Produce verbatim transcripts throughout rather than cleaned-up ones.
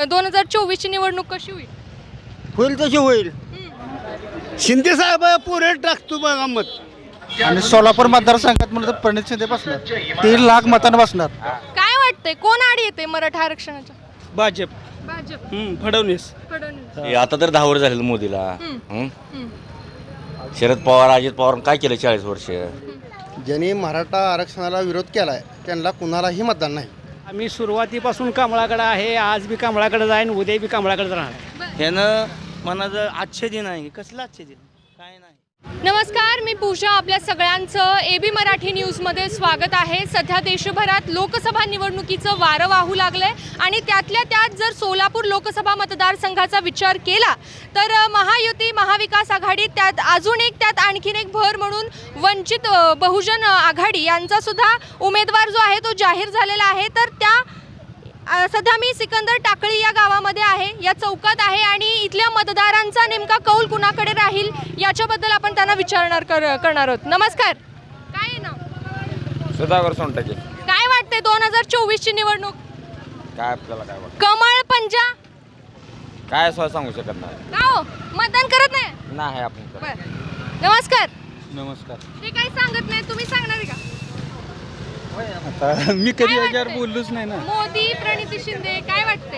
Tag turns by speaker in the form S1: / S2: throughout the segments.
S1: दोन हजार चोवीसची निवडणूक कशी होईल?
S2: होईल तशी होईल. शिंदे साहेब पुरे टाकतो बघा मत.
S3: आणि सोलापूर मतदारसंघात म्हणलं तर प्रणित शिंदे बसणार, तीन लाख मतांना बसणार.
S1: काय वाटतंय कोण आडी येते मराठा आरक्षणाच्या?
S4: भाजप.
S1: भाजप.
S4: फडणवीस.
S1: फडणवीस.
S5: हे आता तर दहा वर्ष झालेलं मोदीला.
S1: हम्म.
S5: हं?
S1: हम्म.
S5: शरद पवार अजित पवार काय केलं चाळीस वर्ष?
S2: ज्यांनी मराठा आरक्षणाला विरोध केलाय त्यांना कुणालाही मतदान नाही.
S4: आम्ही सुरुवातीपासून कमळाकडे आहे, आज बी कमळाकडे जाईन, उद्या बी कमळाकडे राहणार.
S6: ह्यानं मनाचं आजचे दिन आहे, कसलं आजचे दिन काय नाही.
S1: नमस्कार, मी पूजा. आपल्या सगळ्यांचं ए बी मराठी न्यूजमध्ये स्वागत आहे. सध्या देशभरात लोकसभा निवडणुकीचं वारं वाहू लागलंय आणि त्यातल्या त्यात जर सोलापूर लोकसभा मतदारसंघाचा विचार केला तर महायुती महाविकास आघाडी, त्यात अजून एक त्यात आणखीन एक भर म्हणून वंचित बहुजन आघाडी यांचा सुद्धा उमेदवार जो आहे तो जाहीर झालेला आहे. तर त्या सध्या मी सिकंदर टाकळी या गावामध्ये आहे, या चौकात आहे आणि इथल्या मतदारांचा नेमका कौल कुणाकडे राहील याच्याबद्दल आपण त्यांना विचारणार कर करणार आहोत. नमस्कार, काय आहे नाव?
S7: सुधाकर सोनटके.
S1: काय वाटते दोन हजार चोवीसची निवडणूक?
S7: काय आपल्याला काय वाटतं?
S1: कमळ पंजा
S7: काय सोय सांगू शकत नाही.
S1: का हो मतदान करत नाही?
S7: नाही आपण करत.
S1: बरं, नमस्कार.
S3: नमस्कार.
S1: ते काही सांगत नाही, तुम्ही सांगणार आहे का?
S3: आता मी कधी
S1: काय
S3: याच्यावर
S1: वाटतंय?
S3: बोललोच नाही ना.
S1: मोदी प्रणिती शिंदे काय वाटते?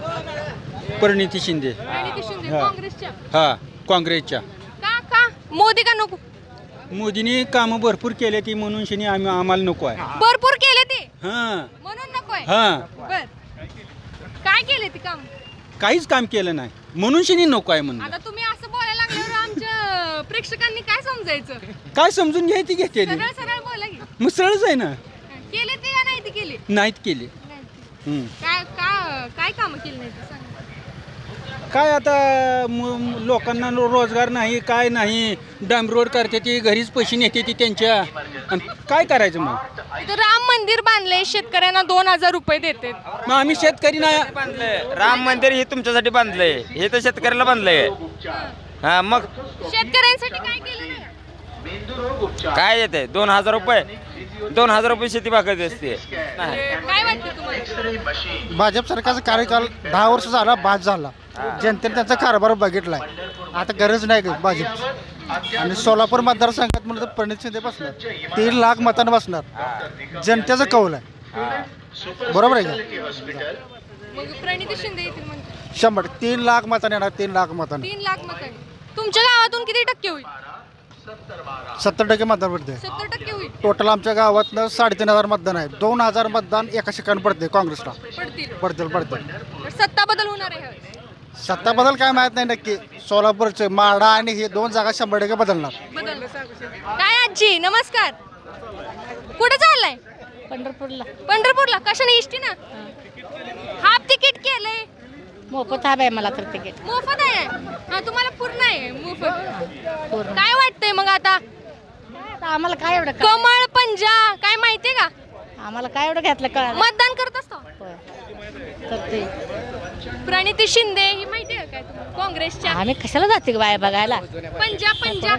S3: परिणिती शिंदे.
S1: प्रणिती शिंदे
S3: हा.
S1: काँग्रेसच्या.
S3: हा, काँग्रेसच्या.
S1: का का मोदी का नको?
S3: मोदींनी कामं भरपूर केले ती म्हणून शिनी आम्ही आम्हाला नको आहे.
S1: भरपूर केले ते
S3: हां
S1: म्हणून नकोय.
S3: हां
S1: बर, काय केले ते काम?
S3: काहीच काम केलं नाही म्हणून शिनी नको आहे म्हणून.
S1: आता तुम्ही असं बोलायला लागल्यावर आमच्या प्रेक्षकांनी काय समजायचं?
S3: काय समजून घ्यायची घेतली
S1: सरळ सरळ बोला की.
S3: मग सरळच आहे ना.
S1: केले ते का नाही ते केले?
S3: नाहीत केले.
S1: नाही ते.
S3: हम्म.
S1: काय का काय कामं केली नाही ते सांगा.
S3: काय आता म- लोकांना रो- रोजगार नाही, काय नाही. डांब रोड करते ती, घरीच पैसे नेते ती त्यांच्या. आणि काय करायचं मग?
S1: इथं राम मंदिर बांधलंय, शेतकऱ्यांना दोन हजार रुपये देते.
S3: मग आम्ही शेतकरी नाही.
S6: बांधलंय राम मंदिर हे तुमच्यासाठी बांधलंय, हे तर शेतकऱ्याला बांधलंय. हा मग
S1: शेतकऱ्यांसाठी काय केलं नाही?
S6: काय येते दोन हजार रुपये दोन हजार रुपये शेती भागत असते.
S1: काय वाटतं तुम्हाला?
S3: भाजप सरकारचा कार्यकाल दहा वर्ष झाला, बाद झाला. जनतेने त्यांचा कारभार बघितलाय. आता गरज नाही भाजप. आणि सोलापूर मतदारसंघात म्हणलं तर प्रणित शिंदे बसणार, तीन लाख मतांना बसणार. जनतेचा कौल आहे, बरोबर आहे का?
S1: मग प्रणिती शिंदे येतील म्हणजे
S3: शंभर तीन लाख मतांना येणार, तीन लाख मतांना.
S1: तीन लाख मत. तुमच्या गावातून किती टक्के होईल?
S3: सत्तर टक्के मतदान पडते.
S1: सत्तर टक्के होईल.
S3: टोटल आमच्या गावातनं साडेतीन हजार मतदान आहे. दोन हजार मतदान एका ठिकाणी पडते काँग्रेसला.
S1: पडतील.
S3: पडतील पडतील
S1: तर सत्ता बदल होणार आहे ह्यावेळेस.
S3: सत्ता बदल काय माहित नाही नक्की. सोलापूरचे माडा आणि हे दोन जागा शंभर टक्के बदलणार.
S1: बदल. काय आजी, नमस्कार. कुठे चाललाय?
S8: पंढरपूरला.
S1: पंढरपूरला. कशाने? इष्टी ना. हाफ तिकीट केलंय.
S8: मोफत हवं आहे मला तर तिकीट.
S1: मोफत आहे. हा, तुम्हाला पूर्ण आहे मोफत.
S8: पूर्ण.
S1: काय वाटतंय मग आता?
S8: आता आम्हाला काय एवढं क-
S1: कमळ पंजा काय माहितीये का?
S8: आम्हाला काय एवढं घेतलं कळ
S1: मतदान करत असतो.
S8: करते.
S1: प्रणिती शिंदे ही माहितीये का काय तुम्हाला? काँग्रेसच्या.
S8: आम्ही कशाला जाते का बाया बघायला?
S1: पंजा पंजा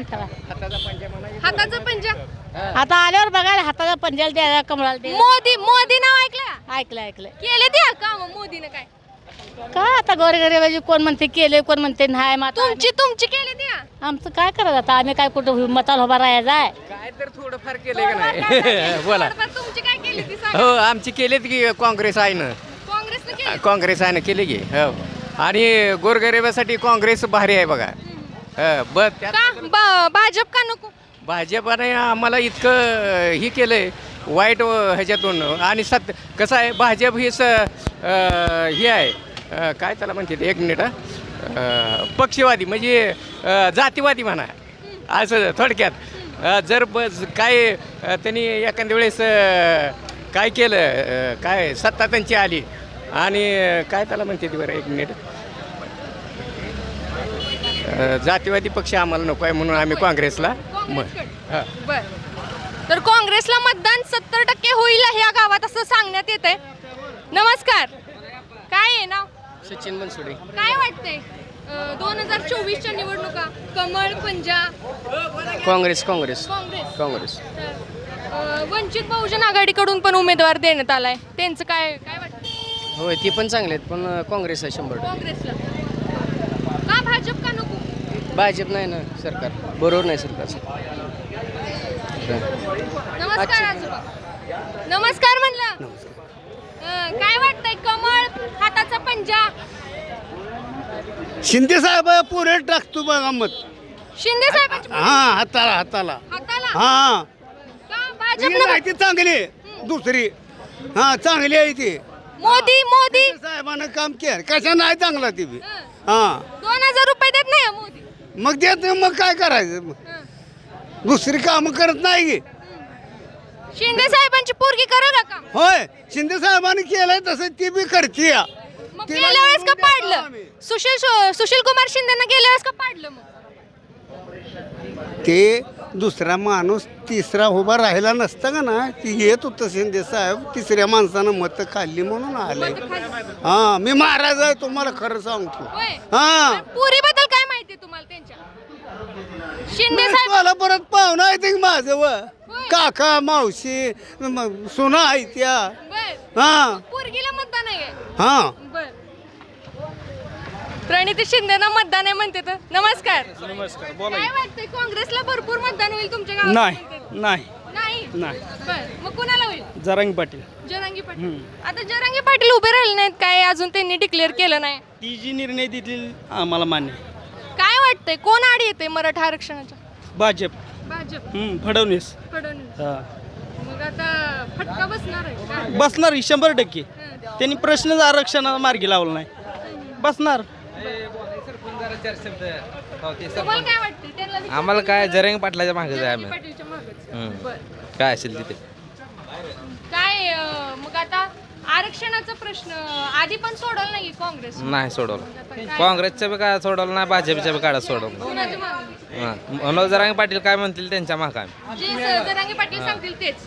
S1: हाताचा पंजा.
S8: आता आल्यावर बघायला हाताला पंजाला द्यायला, कमळाला द्यायला.
S1: मोदी मोदी नाव ऐकलं?
S8: ऐकलं ऐकलं.
S1: केले ते काम मोदीनं काय?
S8: काय आता गोरगरीबाजी कोण म्हणते केले, कोण म्हणते नाही. मग आता
S1: तुमची तुमची केली ते.
S8: आम्ही- आमचं काय करायचं आता? आम्ही काय कुठं मताला उभा राहायचा आहे?
S6: काय तर थोडंफार केलंय का नाही? बोला.
S1: तुमची काय केली ती सांगा.
S6: हो आमची केलेत की काँग्रेस आहे ना.
S1: काँग्रेसनं केली.
S6: काँग्रेस आहे ना, केली की. हो आणि गोरगरिबासाठी काँग्रेस भारी आहे बघा. हो बस त्यात
S1: का बा- भाजप का नको?
S6: भाजपाने आम्हाला इतकं ही केलंय वाईट ह्याच्यातून. आणि सत कसं आहे भाजप ही स अं, हे आहे अं, काय त्याला म्हणते एक मिनिट हा पक्षवादी म्हणजे अं, जातीवादी म्हणा असं थोडक्यात. अं, जर बस काय अं, त्यांनी एखाद्या वेळेस अं, काय केलं अं, काय सत्ता त्यांची आली आणि अं, काय त्याला म्हणते ती बरं एक मिनिट अं, जातीवादी पक्ष आम्हाला नको आहे म्हणून आम्ही काँग्रेसला मग हां.
S1: बर. तर काँग्रेसला मतदान सत्तर टक्के होईल या गावात असं सांगण्यात येत आहे. नमस्कार, काय आहे नाव?
S6: सचिन बनसोडे.
S1: काय वाटतंय दोन हजार चोवीसच्या निवडणुका? कमळ पंजा
S6: काँग्रेस काँग्रेस
S1: काँग्रेस.
S6: काँग्रेस
S1: तर, अ, वंचित बहुजन आघाडीकडून पण उमेदवार देण्यात आलाय, त्यांचं काय काय वाटतं?
S6: होय ती पण चांगले आहेत पण काँग्रेस आहे शंभर
S1: काँग्रेसला का भाजप का नको
S6: भाजप नाही ना सरकार बरोबर नाही सरकारचं
S1: नमस्कार आजोबा नमस्कार म्हणलं हं, काय वाटतंय कमळ हाताचा पंजा
S2: शिंदे साहेब पुरे टाकतो बघा मत
S1: शिंदे साहेबांच्या
S2: हा हाताला हाताला
S1: हाताला
S2: हा
S1: का
S2: ही
S1: भाजप
S2: नाही ती चांगली दुसरी हा चांगली आहे ती
S1: मोदी मोदी
S2: शिंदे साहेबानं काम केलं कशा नाही चांगला ती बी
S1: हं,
S2: हा
S1: दोन हजार रुपये देत नाही हं मोदी
S2: मग देत नाही, मग काय करायचं मग?
S1: हं.
S2: दुसरी कामं करत नाही की
S1: शिंदे साहेबांची पोरगी करा का काम
S2: होय शिंदे साहेबांनी केलंय तसं ती बी करते
S1: मग गेल्या वेळेस का पाडलं सुशील सु- सुशील कुमार शिंदेना गेल्या वेळेस का पाडलं मग
S2: ते दुसरा माणूस तिसरा उभा राहिला नसता का ना ती येत होतं शिंदे साहेब तिसऱ्या माणसानं मतं खाल्ली म्हणून आले हा मी महाराज आहे तुम्हाला खरं सांगतो
S1: होय
S2: हा
S1: पुरी बद्दल काय माहिती तुम्हाला त्यांच्या शिंदे साहेब
S2: मला परत पाहुणा आहे ते माझं व काका मावशी म- सुना आहे त्या
S1: बर
S2: हा
S1: पोरगीला मतदान आहे
S2: हा
S1: बर प्रणिती शिंदेना मतदान आहे म्हणते तर नमस्कार
S4: नमस्कार
S1: काय वाटतंय काँग्रेसला भरपूर मतदान होईल तुमच्या गावात
S4: नाही
S1: म्हणते?
S4: नाही
S1: नाही
S4: नाही
S1: बर मग कुणाला होईल
S4: जरांगी पाटील
S1: जरांगी पाटील आता जरांगी पाटील उभे राहिले नाहीत काय अजून त्यांनी डिक्लेअर केलं नाही
S4: ती जी निर्णय देतील आम्हाला मान्य आहे.
S1: काय वाटतंय कोण आड येते मराठा आरक्षणाच्या
S4: भाजप
S1: भाजप
S4: हम्म, फडणवीस
S1: फडणवीस
S4: हा.
S1: मग आता फटका बसणार आहे काय?
S4: बसणार ही शंभर टक्के
S1: हं.
S4: त्यांनी प्रश्नच आरक्षणाला मार्गी लावला नाही बसणार
S1: तुम्हाला काय वाटतंय त्यांना विचार-
S7: आम्हाला काय जरंग पाटलाच्या मागे जाय
S1: जरांगी
S7: आम्ही
S1: पाटीलच्या मागच
S7: हं.
S1: बर
S7: काय असेल तिथे
S1: काय अं, मग आता आरक्षणाचा प्रश्न आधी पण सोडवला नाही काँग्रेस
S7: नाही सोडवलं काँग्रेसच्या बी काय सोडवलं नाही भाजपच्या बी काढा सोडवलं
S1: कुणाच्या मागं?
S7: हां मनोज जरांगे पाटील काय म्हणतील त्यांच्या मागे आम्ही
S1: जे स- जरांगे पाटील सांगतील तेच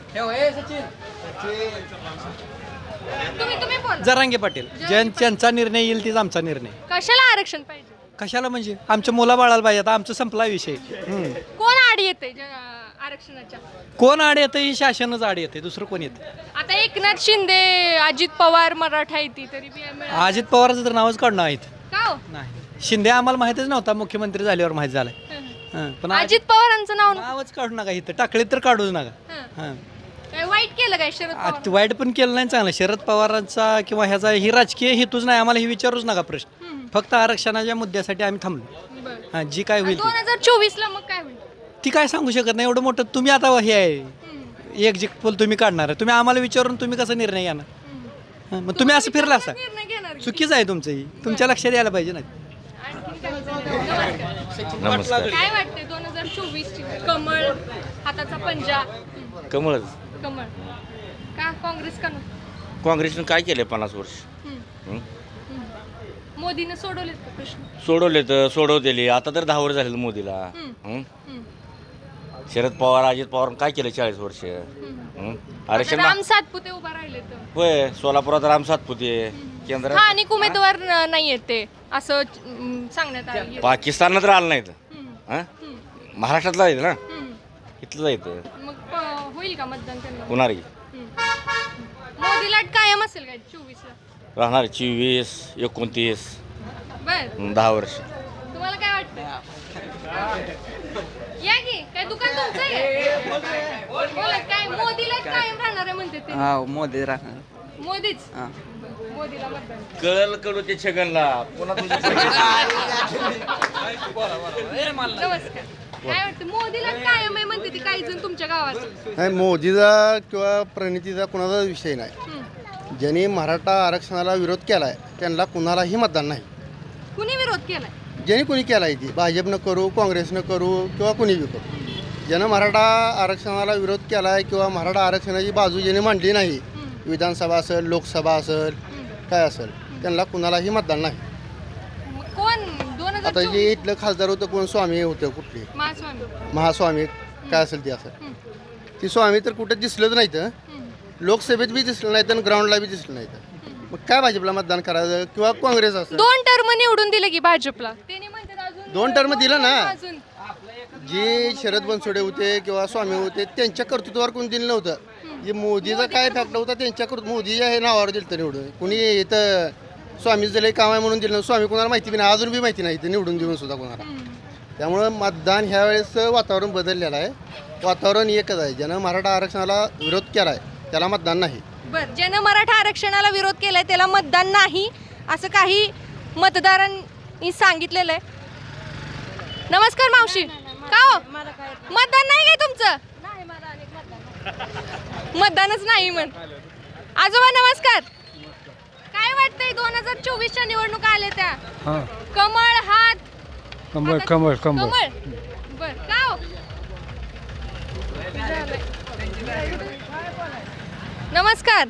S1: तुम्ही तुम्ही बोला
S9: जरांगे पाटील ज्यां त्यांचा निर्णय येईल तीच आमचा निर्णय
S1: कशाला आरक्षण पाहिजे
S9: कशाला म्हणजे आमच्या मुला बाळाला पाहिजे आता आमचा संपला विषय हम्म.
S1: कोण आड येते आरक्षणाच्या
S9: कोण आड येतं ही शासनच आड येते दुसरं कोण येतं
S1: आता एकनाथ शिंदे अजित पवार मराठा येते तरी बी मिळालं.
S9: अजित पवारचं तर नावच काढणं आहेत
S1: का हो?
S9: नाही शिंदे आम्हाला माहितच नव्हता मुख्यमंत्री झाल्यावर माहित झालंय हं, पण
S1: अजित पवारांचं नाव न-
S9: नावच काढू नका इथं टाकले तर काढूच नका
S1: हं.
S9: हं.
S1: काय वाईट केलं काय शरद
S9: आ,
S1: पवार
S9: ते वाईट पण केलं नाही चांगलं शरद पवारांचा किंवा ह्याचा ही राजकीय हेतूच नाही आम्हाला हे विचारूच नका प्रश्न
S1: हम्म.
S9: फक्त आरक्षणाच्या मुद्द्यासाठी आम्ही थांबलो
S1: बरं.
S9: हां जी काय होईल ती.
S1: दोन हजार चोवीस ला मग काय होईल
S9: ती काय सांगू शकत नाही एवढं मोठं तुम्ही आता हे आहे
S1: हम्म.
S9: एक जी पोल तुम्ही काढणार आहे तुम्ही आम्हाला विचारून तुम्ही कसा निर्णय घेणार
S1: हम्म.
S9: हं, मग तुम्ही असं फिरला असा
S1: निर्णय घेणार की?
S9: चुकीचं आहे तुमचं ही तुमच्या लक्षात यायला पाहिजे ना
S1: आणखीन काय नमस्कार.
S5: नमस्कार
S1: काय वाटतंय दोन हजार चोवीस ची कमळ हाताचा पंजा हम्म.
S5: कमळच
S1: कमळ का काँग्रेस का नको
S5: काँग्रेसनं काय केलं पन्नास वर्ष
S1: हम्म.
S5: हं?
S1: हम्म. मोदीनं सोडवलेत का प्रश्न
S5: सोडवले तर सोडवलेले आता तर दहा वर्ष झालेलं मोदीला
S1: हं.
S5: हं?
S1: हम्म.
S5: शरद पवार अजित पवार काय केलं चाळीस वर्ष
S1: हम्म.
S5: हं?
S1: आता
S5: आरक्षण
S1: राम सातपुते उभा राहिले तर
S5: होय सोलापुरात राम सातपुते केंद्रात
S1: स्थानिक उमेदवार न- नाहीयेत ते असं अं, सांगण्यात आलं
S5: पाकिस्तानात राहिलं नाहीत
S1: हम्म.
S5: हं?
S1: हम्म.
S5: महाराष्ट्रातला आहेत ना
S1: हम्म.
S5: इथलं जायचं
S1: मग प- होईल का मतदान त्यांना
S5: होणार की
S1: हम्म. मोदी लाट कायम असेल काय चोवीस ला
S5: राहणार चोवीस एकोणतीस
S1: बर
S5: हं, दहा वर्ष
S1: तुम्हाला काय वाटतं या की काय दुकान तुमचं आहे बोला काय मोदीला कायम राहणार आहे म्हणते ते
S9: हा मोदी राहणार
S1: मोदीच मोदीला मतदान
S5: कळल कळू ते छगनला पुन्हा तुझ्या
S1: नमस्कार काय वाटतं मोदीला कायम आहे म्हणते ती काही जण तुमच्या गावात
S3: नाही मोदीचा किंवा प्रणितीचा कुणाचा विषय नाही
S1: हम्म.
S3: ज्यांनी मराठा आरक्षणाला विरोध केला आहे त्यांना कुणालाही मतदान नाही
S1: कुणी विरोध केलाय
S3: ज्यांनी कुणी केला आहे ती भाजपनं करू काँग्रेसनं करू किंवा कुणी बी करू ज्यानं मराठा आरक्षणाला विरोध केला आहे किंवा मराठा आरक्षणाची बाजू ज्याने मांडली नाही विधानसभा असेल लोकसभा असेल काय असेल त्यांना कुणालाही मतदान नाही
S1: मग कोण दोन हजार
S3: आता जे इथलं खासदार होतं कोण स्वामी होतं कुठले
S1: महास्वामी
S3: महास्वामी काय असेल ते असेल
S1: हम्म.
S3: ती स्वामी तर कुठं दिसलंच नाही तर
S1: हम्म.
S3: लोकसभेत बी दिसलं नाही तर ग्राउंडला बी दिसलं नाही तर मग काय भाजपला मतदान करायचं किंवा काँग्रेस असेल
S1: दोन टर्म निवडून दिले की भाजपला त्यांनी म्हणतात अजून
S3: दोन term दिलं ना.
S1: अजून
S3: जे शरद बनसोडे होते किंवा स्वामी होते त्यांच्या कर्तृत्वावर कोण दिलं नव्हतं जे मोदीचा काय फॅक्ट होता त्यांच्याकडून मोदीच्या हे नावावर दिलं तर निवडून कुणी इथं स्वामीचं दिलं काम आहे म्हणून दिलं नव्हतं. स्वामी कोणाला माहिती बी नाही अजून बी माहिती नाही इथं निवडून देऊन सुद्धा कोणाला. त्यामुळं मतदान ह्या वेळेस वातावरण बदललेलं आहे. वातावरण एकच आहे. ज्यानं मराठा आरक्षणाला विरोध केला आहे त्याला मतदान नाही.
S1: बरं, ज्यानं मराठा आरक्षणाला विरोध केलाय त्याला मतदान नाही असं काही मतदारांनी सांगितलेलं आहे. नमस्कार मावशी. का हो मतदान नाही काय तुमचं? मतदानच नाही म्हण. आजोबा नमस्कार. काय वाटतंय दोन हजार चोवीसच्या निवडणुका आल्या त्या? कमळ हात
S4: कमळ कमळ
S1: कमळ बर का हो? नमस्कार.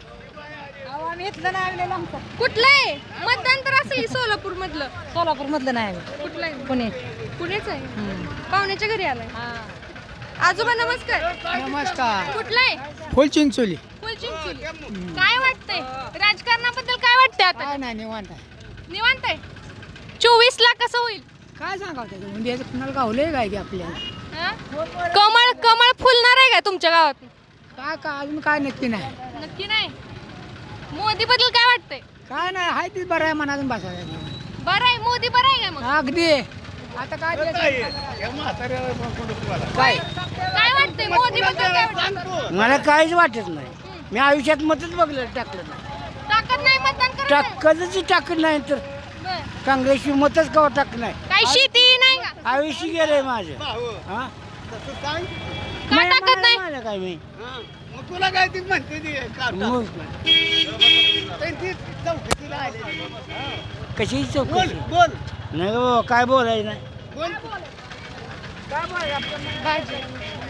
S1: कुठलं आहे मतदान तर असेल सोलापूर मधलं?
S8: सोलापूर मधलं नाही
S1: कुठलं आहे?
S8: पुणे.
S1: पुणेच आहे. पाहुण्याच्या घरी आलाय. आजोबा नमस्कार.
S3: नमस्कार.
S1: कुठलं आहे?
S3: फुलचिंचोली.
S1: फुलचिंचोली. काय वाटतंय राजकारणाबद्दल? काय वाटतंय आता?
S3: काय नाही निवांत
S1: निवांत आहे. चोवीस ला कसं होईल?
S3: काय सांगावं त्याचं म्हणजे कुणाला गावलंय काय की आपल्याला
S1: हा? कमळ कमळ फुलणार आहे का तुमच्या गावात?
S3: काय काय अजून काय नक्की नाही.
S1: नक्की नाही. मोदी बद्दल काय वाटतंय?
S3: काय नाही हाय ती बरं आहे मनातून बसायला.
S1: बरं आहे. मोदी बरं आहे का मग?
S3: अगदी आता काय
S1: काय काय वाटतंय मोदी बद्दल? काय वाटतंय?
S3: मला काहीच वाटत नाही. मी आयुष्यात मतच बघलं टाकलं नाही.
S1: ताकद नाही मतदान करायला?
S3: कधीच टाकलं नाही तर
S1: बरं.
S3: काँग्रेसची मतच कवा टाकलं नाही.
S1: काही शेती नाही का?
S3: आयुष्य गेलंय माझं. हा
S1: का टाकत नाही?
S3: मला काय मी
S2: तुला काय ती म्हणते ती
S3: मग कशी चौकशी
S2: बोल
S3: नाही बाबा काय बोलायचं नाही.
S1: भाजी.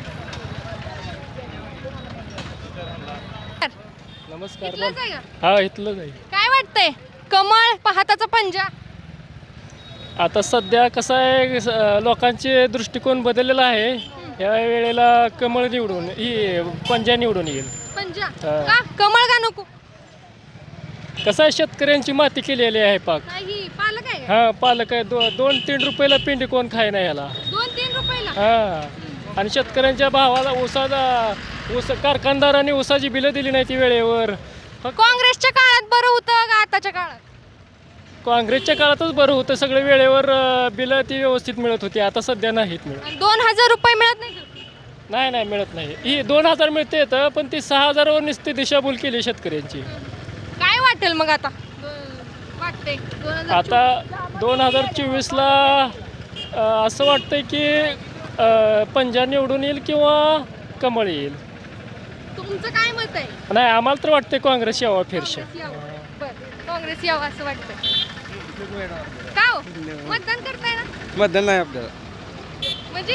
S4: नमस्कार.
S1: इथलंच आहे का?
S4: हा इथलंच आहे.
S1: काय वाटतंय कमळ पहाताचा पंजा?
S4: आता सध्या कसं आहे स- लोकांचे दृष्टिकोन बदललेला आहे. या वेळेला कमळ निवडून ही पंजा निवडून येईल.
S1: पंजा
S4: हा.
S1: का कमळ का नको?
S4: कसं आहे शेतकऱ्यांची माती केलेली आहे पाक.
S1: नाही पालक आहे का?
S4: हा पालक आहे. दो दोन तीन रुपयाला पिंडी कोण खाय नाही याला.
S1: दोन तीन रुपयाला.
S4: हा आणि शेतकऱ्यांच्या भावाला ऊसाचा ऊस कारखानदारांनी ऊसाची बिलं दिली नाही ती वेळेवर.
S1: काँग्रेसच्या काळात बरं होतं का आताच्या काळात?
S4: काँग्रेसच्या काळातच बरं होतं. सगळे वेळेवर अं, बिलं ती व्यवस्थित मिळत होती. आता सध्या नाहीत मिळत.
S1: आणि दोन हजार रुपये मिळत नाही का?
S4: नाही नाही मिळत नाही. ही दोन हजार मिळते येतं पण ती सहा हजारावर नुसती दिशाभूल केली शेतकऱ्यांची.
S1: काय वाटेल मग आता? वाटते
S4: आता दोन हजार चोवीसला असं वाटतंय की अं, पंजा निवडून येईल किंवा कमळ येईल.
S1: तुमचं काय मत आहे?
S4: नाही आम्हाला तर वाटते काँग्रेस यावं फिरशे.
S1: काँग्रेस यावं. बरं काँग्रेस यावं असं वाटतं. का हो मतदान करताय ना?
S3: मतदान नाही आपल्याला.
S1: म्हणजे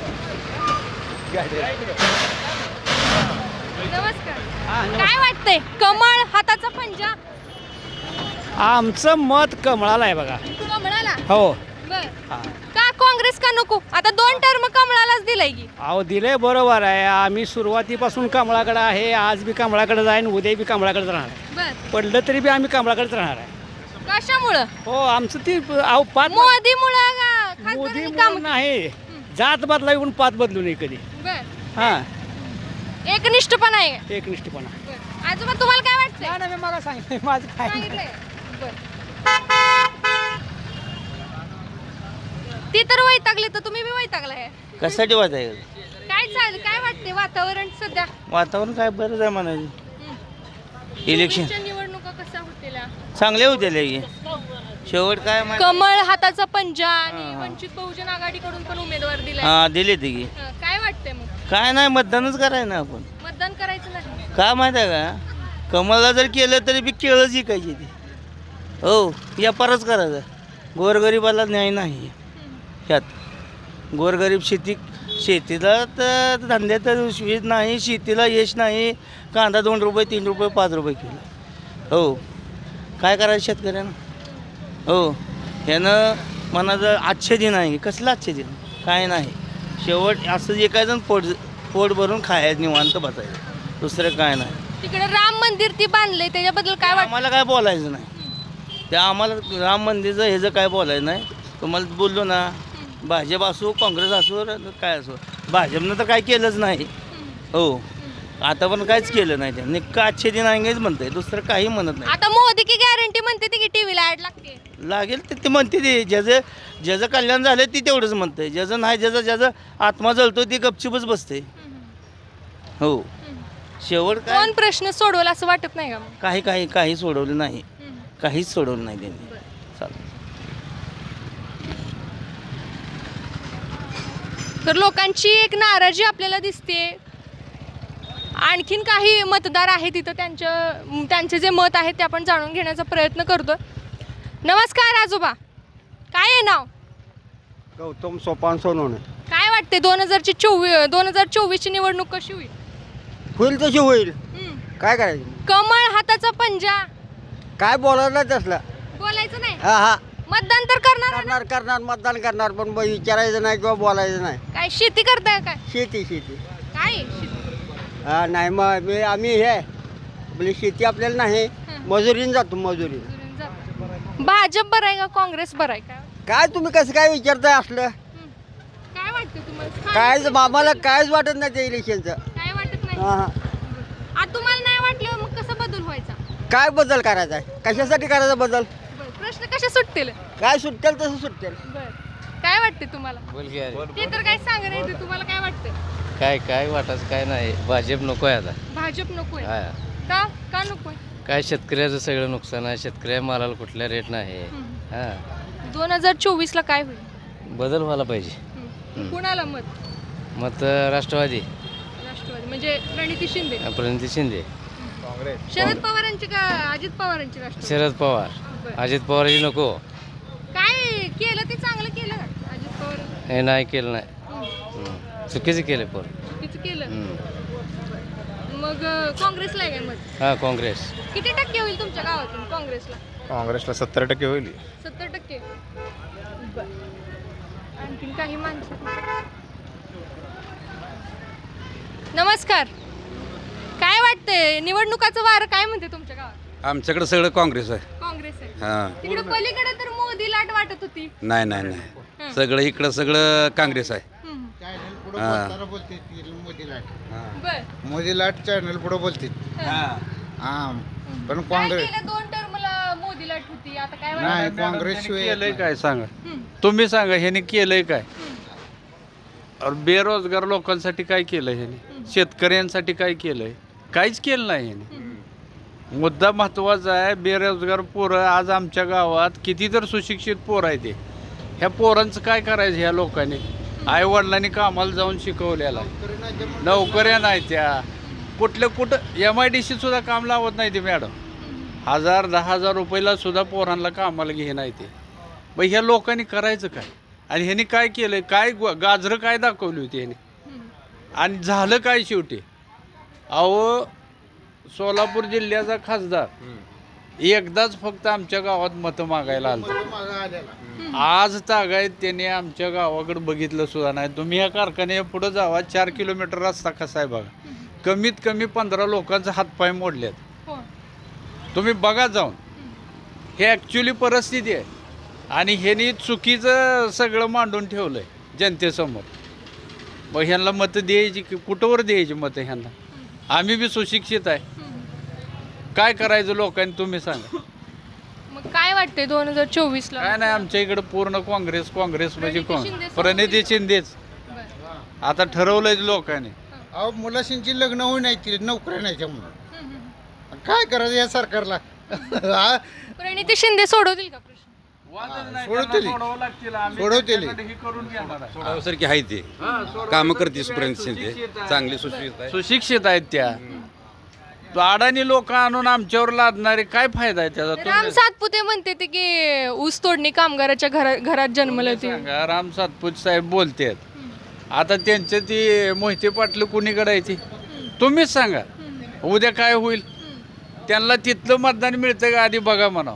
S1: नमस्कार. काय वाटतंय कमळ हाताचा पंजा?
S9: आमचं मत कमळाला आहे बघा.
S1: कमळाला.
S9: हो.
S1: बर का काँग्रेस का नको? आता दोन टर्म कमळालाच दिलाय की.
S9: अहो दिले बरोबर आहे. आम्ही सुरुवातीपासून कमळाकडे आहे. आज बी कमळाकडे जाईन उद्या बी कमळाकडेच राहणार आहे.
S1: बर
S9: पडलं तरी बी आम्ही कमळाकडेच राहणार आहे.
S1: कशामुळं?
S9: हो आमचं ती अहो पाच
S1: मोदी मुळे का
S9: मोदी
S1: खासदारांनी काम?
S9: म्हणून नाही जात बदला येऊन पाच बदलू नये कधी.
S1: बर
S9: हा
S1: एकनिष्ठपणा आहे.
S9: एकनिष्ठपणा.
S1: बरं. आजोबा तुम्हाला काय वाटतंय?
S9: मी मला सांगितलं माझं काय
S1: सांगितलंय. बरं. ती तर वैतागली तर तुम्ही बी वैतागलाय.
S5: कशासाठी वाटायचं?
S1: काय चाल काय वाटते वातावरण सध्या?
S5: वातावरण काय बरंच आहे म्हणायचं. इलेक्शन
S1: चोवीसच्या निवडणुका कशा होतील?
S5: चांगले होते लगे. शेवट काय माहिती-
S1: कमळ हाताचा पंजा आणि वंचित बहुजन आघाडीकडून पण उमेदवार दिलाय.
S5: हा दिले ते की
S1: हं, काय वाटतंय मग?
S5: काय नाही मतदानच करायचं ना आपण.
S1: मतदान करायचं नाही?
S5: काय माहिती आहे का कमळला जर केलं तरी बी केळंच विकायची ती. हो व्यापारच करायचा. गोरगरिबाला न्याय नाही ह्यात. गोरगरीब शेती शेतीला तर धंद्यात वीज नाही. शेतीला यश नाही. कांदा दोन रुपये तीन रुपये पाच रुपये किलो. हो काय करायचं शेतकऱ्यानं? हो ह्यानं मनाचं आजचे दिन आहे. कसलं आजचे दिन? काय नाही. शेवट असं एकाजण पोट पोट भरून खायचं निवांत बसायचं. दुसरं काय नाही.
S1: तिकडे राम मंदिर ती बांधले त्याच्याबद्दल काय वाटतं?
S5: आम्हाला काय बोलायचं नाही. त्या आम्हाला राम मंदिरचं ह्याचं काय बोलायचं नाही. तुम्हाला बोललो ना भाजप असो काँग्रेस असो काय असो भाजपनं तर काय केलंच नाही. हो आता पण काहीच केलं नाही त्यांनी का अच्छे दिन आएंगेच म्हणतंय दुसरं काही म्हणत नाही
S1: आता मोदी की गॅरंटी म्हणते ती की टीव्हीला ऍड लागते.
S5: लागेल ते ते म्हणते ते ज्याचं ज्याचं कल्याण झालं ती तेवढंच म्हणतंय ज्याचं नाही ज्याचं ज्याचं आत्मा जळतो ती गपचूपच बसते हो शेवट काय
S1: कोण प्रश्न सोडवला असं वाटत नाही का मग?
S5: काही काही काही सोडवलं नाही काहीच सोडवलं नाही त्यांनी चालेल
S1: तर लोकांची एक नाराजी आपल्याला दिसते. आणखीन काही मतदार आहेत तिथं त्यांचं त्यांचे जे मत आहे ते आपण जाणून घेण्याचा प्रयत्न करतो. नमस्कार आजोबा, काय आहे नाव?
S2: गौतम सोपान सोनवणे.
S1: काय वाटते दोन हजारची चोवीस दोन हजार चोवीसची निवडणूक कशी होईल?
S2: होईल तशी होईल.
S1: हम्म.
S2: काय करायचं?
S1: कमळ हाताचा पंजा.
S2: काय बोलायला तसलं?
S1: बोलायचं नाही,
S2: हा हा
S1: मतदान तर करणार ना?
S2: करणार करणार मतदान करणार पण ब- विचारायचं नाही किंवा बोलायचं नाही.
S1: काय शेती करताय काय?
S2: शेती शेती
S1: काय आहे शेती?
S2: हा नाही मग मी आम्ही हे आपली शेती आपल्याला नाही मजुरीने जातो मजुरीने.
S1: भाजप बरं आहे का काँग्रेस बरं आहे का?
S2: काय तुम्ही कसं काय विचारताय असलं?
S1: काय वाटतं तुम्हाला?
S2: काय आम्हाला कायच वाटत नाही त्या इलेक्शनचं.
S1: काय वाटत नाही?
S2: हा हा
S1: आता तुम्हाला नाही वाटलं मग कसं बदल व्हायचा?
S2: काय बदल करायचा आहे? कशासाठी करायचा बदल?
S1: बरं, प्रश्न कशा सुटतील?
S2: काय सुटेल तसं सुटेल.
S1: बरं, काय वाटते तुम्हाला?
S7: बोल की अरे.
S1: ते तर काय सांग नाही ते तुम्हाला काय वाटतं?
S7: काय काय वाटायचं काय नाही भाजप नको आहे आता
S1: भाजप नकोय
S7: हा.
S1: का? का नकोय?
S7: काय शेतकऱ्याचं सगळं नुकसान आहे शेतकऱ्या मालाला कुठल्या रेट नाही हा
S1: दोन हजार चोवीस ला काय होईल?
S7: बदल व्हायला पाहिजे
S1: हम्म. कुणाला मत?
S7: मत राष्ट्रवादी
S1: राष्ट्रवादी म्हणजे प्रणिती शिंदे,
S7: प्रणिती शिंदे
S1: शरद पवारांची का अजित पवारांची? राष्ट्रवादी.
S7: शरद पवार
S1: बरं.
S7: अजित पवारही नको
S1: काय केलं ते चांगलं केलं का अजित पवार?
S7: हे नाही केलं नाही हम्म. चुकीचं केलं पण
S1: चुकीचं केलं.
S7: हम्म.
S1: मग अं, काँग्रेसला आहे काय मत?
S7: हा काँग्रेस
S1: किती टक्के होईल तुमच्या गावातून काँग्रेसला?
S10: काँग्रेसला सत्तर टक्के होईल.
S1: सत्तर टक्के. बरं. आणखीन काही माणसं? नमस्कार, काय वाटतंय निवडणुकाचं वारं काय म्हणते तुमच्या गावात?
S10: आमच्याकडे सगळं काँग्रेस आहे.
S1: काँग्रेस आहे.
S10: हां
S1: तिकडे पलीकडे तर मोदी लाट वाटत होती.
S10: नाही नाही नाही सगळं इकडं सगळं काँग्रेस आहे.
S1: हम्म.
S10: हां
S1: बर.
S3: मोदी लाट चॅनल पुढे बोलते हा पण
S1: काय केलं दोन टर्मला मोदी लाट होती, आता काय वाटतं?
S3: नाही काँग्रेस
S10: केलंय काय सांगा
S1: हम्म.
S10: तुम्ही सांगा ह्याने केलंय काय और बेरोजगार लोकांसाठी काय केलं ह्याने शेतकऱ्यांसाठी काय केलंय काहीच केलं नाही ह्याने मुद्दा महत्त्वाचा आहे बेरोजगार पोरं आज आमच्या गावात किती तर सुशिक्षित पोरं आहे ते ह्या पोरांचं काय करायचं ह्या लोकांनी आई वडिलांनी कामाला जाऊन शिकवलेला आहे नोकऱ्या नाही त्या कुठलं कुठं एम आय डी सी सुद्धा काम लावत नाही ते मॅडम हजार दहा हजार रुपयाला सुद्धा पोरांना कामाला घे नाही ते मग ह्या लोकांनी करायचं काय आणि ह्यांनी काय केलं काय गाजरं काय दाखवली होती ह्याने आणि झालं काय शेवटी अहो सोलापूर जिल्ह्याचा खासदार एकदाच फक्त आमच्या गावात मतं मागायला आलं आज तागायत त्याने आमच्या गावाकडे बघितलं सुद्धा नाही तुम्ही ह्या कारखान्या पुढं जावा चार किलोमीटर रस्ता कसा आहे बघा कमीत कमी पंधरा लोकांचे हातपाय मोडलेत
S1: हो.
S10: तुम्ही बघा जाऊन हे ॲक्च्युली परिस्थिती आहे आणि ह्यांनी चुकीचं सगळं मांडून ठेवलं आहे जनतेसमोर मग ह्यांना मतं द्यायची की कुठंवर द्यायची मतं ह्यांना आम्ही बी सुशिक्षित आहे काय करायचं लोकांनी तुम्ही सांगा
S1: मग काय वाटतंय दोन हजार चोवीस ला?
S10: काय नाही आमच्या इकडे पूर्ण काँग्रेस काँग्रेस म्हणजे
S1: प्रणिती शिंदे
S10: कोण प्रणिती शिंदेच
S1: बरं.
S10: आता ठरवलंय लोकांनी
S3: अहो मुलाशींची लग्न होऊ नाही ती नोकऱ्या नाही त्यामुळं काय करायचं या सरकारला हा
S1: प्रणिती शिंदे सोडवतील का प्रश्न?
S3: सोडवतील सोडवतील
S10: सोडावसारखी आहे ते कामं करते सुप्रियंत शिंदे चांगली सुशिक्षित आहे सुशिक्षित आहेत त्या अडाणी लोक आणून आमच्यावर लादणारे काय फायदा आहे त्याचा
S1: राम सातपुते म्हणते ते की ऊस तोडणी कामगाराच्या घरा घरात जन्मले होते.
S10: सांगा राम सातपुत साहेब बोलतात आता त्यांचं ती मोहिते पाटलं कुणीकडे आहे ती तुम्हीच सांगा उद्या काय होईल त्यांना तिथलं मतदान मिळतं का आधी बघा म्हणावं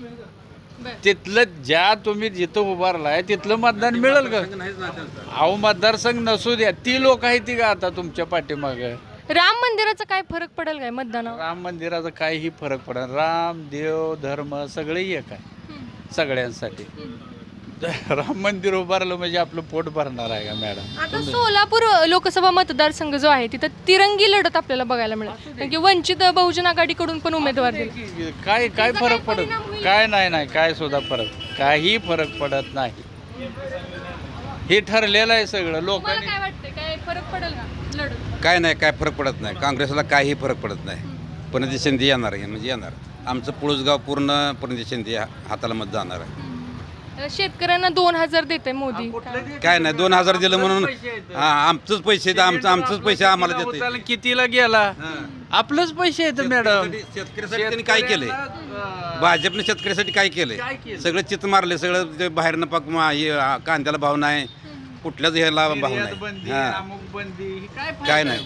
S10: तिथलं ज्या तुम्ही जिथं उभारलाय तिथलं मतदान मिळेल का अहो मतदारसंघ नसू द्या ती लोक आहे ती का आता तुमच्या पाठीमागं
S1: राम मंदिराचा काय फरक पडेल काय मतदानावर?
S10: राम मंदिराचा काहीही फरक पडणार राम देव धर्म सगळे एक आहे सगळ्यांसाठी राम मंदिर उभारलं म्हणजे आपलं पोट भरणार आहे का मॅडम?
S1: आता सोलापूर लोकसभा मतदारसंघ जो आहे तिथं तिरंगी लढत आपल्याला बघायला मिळेल, कारण की वंचित बहुजन आघाडीकडून पण उमेदवार दिले.
S10: काय काय फरक पडत काय नाही नाही काय सुद्धा फरक काही फरक पडत नाही. हे ठरलेलं आहे सगळं
S1: तुम्हाला
S10: लोकांनी.
S1: काय वाटतंय, काय फरक पडेल का लढत?
S11: काय नाही काय फरक पडत नाही. काँग्रेसला काही फरक पडत नाही. प्रणिती शिंदे येणार आहे म्हणजे येणार. आमचं पुळसगाव पूर्ण प्रणिती शिंदे हाताला मत जाणार आहे.
S1: शेतकऱ्यांना दोन हजार देते मोदी.
S11: काय नाही दोन हजार दिलं म्हणून हा आमचंच पैसे आहेत, आमचं आमचंच पैसे आम्हाला देते.
S10: होताना कितीला गेला आपलंच पैसे येतं मॅडम.
S11: शेतकऱ्यासाठी त्यांनी काय केलंय? भाजपने शेतकऱ्यासाठी काय केलंय? सगळं चित मारले सगळं ते बाहेरनं पाक मा- हे, आ, कांद्याला भाव नाही, कुठल्याच ह्याला भाव नाही.
S10: बंदी
S11: हा.
S10: अमुक बंदी ही काय
S11: काय नाही.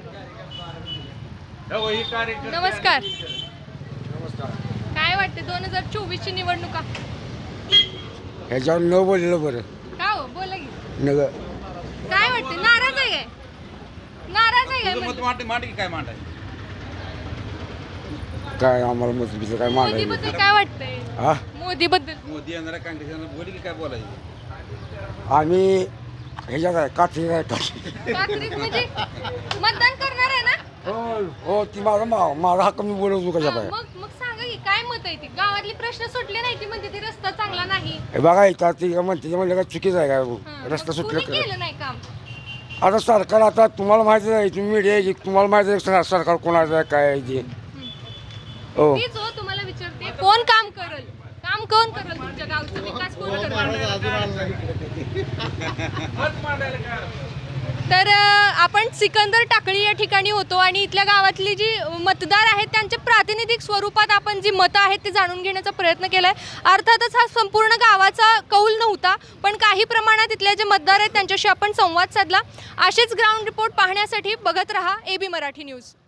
S10: हो, ही कार्यकर्ते-
S1: नमस्कार. काय वाटते दोन हजार चोवीस ची निवडणुका?
S2: ह्याच्यावर न बोललेलं बरं.
S1: का हो, बोला की.
S2: नग
S1: काय वाटते, नाराज आहे काय? नाराज आहे काय म्हणजे?
S11: मांड मांड की काय मांडाय?
S2: काय आम्हाला मतभेद काय
S1: मोदी बद्दल काय वाटतंय?
S2: हा
S1: मोदी बद्दल
S11: मोदी येणार काँग्रेस येणार बोली की काय बोलायचं?
S2: आम्ही ह्याच्यात आहे काठी आहे काठी
S1: काँग्रेस म्हणजे मतदान करणार आहे ना?
S2: हो हो ती माझा मा- माझा हक्क मी बोलवतो कशा
S1: हा, मग मग सांगा की काय मत आहे ती? गावातली प्रश्न सुटले नाही की म्हणजे ते रस्ता चांगला नाही.
S2: हे बघा इथं ती म्हणते म्हणलं काय चुकीचं आहे
S1: हा,
S2: काय रस्ता
S1: मग
S2: सुटलं
S1: कोणी केलं नाही काम?
S2: आता सरकार आता तुम्हाला माहिती आहे तुम्ही मीडिया आहे की तुम्हाला माहिती आहे सर- सरकार कोणाचं आहे काय आहे ते हो
S1: तीच हो तुम्हाला विचारते, कोण काम करल? काम कोण करल? तुमच्या गावचा विकास कोण करल? तर अ, आपण सिकंदर टाकळी या ठिकाणी होतो आणि इथल्या गावातली जी मतदार आहेत त्यांच्या प्रातिनिधिक स्वरूपात आपण जी मतं आहेत ते जाणून घेण्याचा प्रयत्न केला आहे. अर्थातच हा संपूर्ण गावाचा कौल नव्हता, पण काही प्रमाणात इथले जे मतदार आहेत त्यांच्याशी आपण संवाद साधला. असेच ग्राउंड रिपोर्ट पाहण्यासाठी बघत रहा ए बी मराठी न्यूज.